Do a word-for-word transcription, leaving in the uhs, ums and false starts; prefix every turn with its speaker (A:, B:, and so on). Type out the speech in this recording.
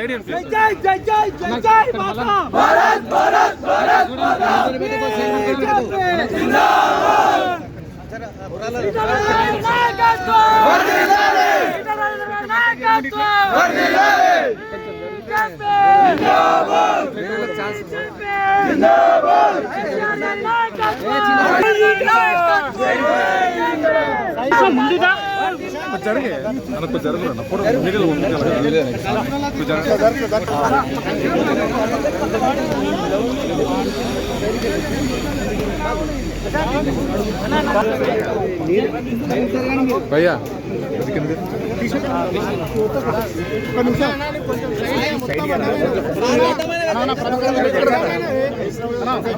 A: సైడ్
B: జై జై జై జై జై జై మాతా భారత్ భారత్ భారత్ మాతా జిందాబాద్ నాయకత్వం వర్ధిల్లాలి నాయకత్వం వర్ధిల్లాలి జిందాబాద్ జిందాబాద్ నాయకత్వం ముందుగా
A: జరిగే మనకు జరుగుతున్నా ఫోటో మీడియాలో భయ్యా ఒక నిమిషం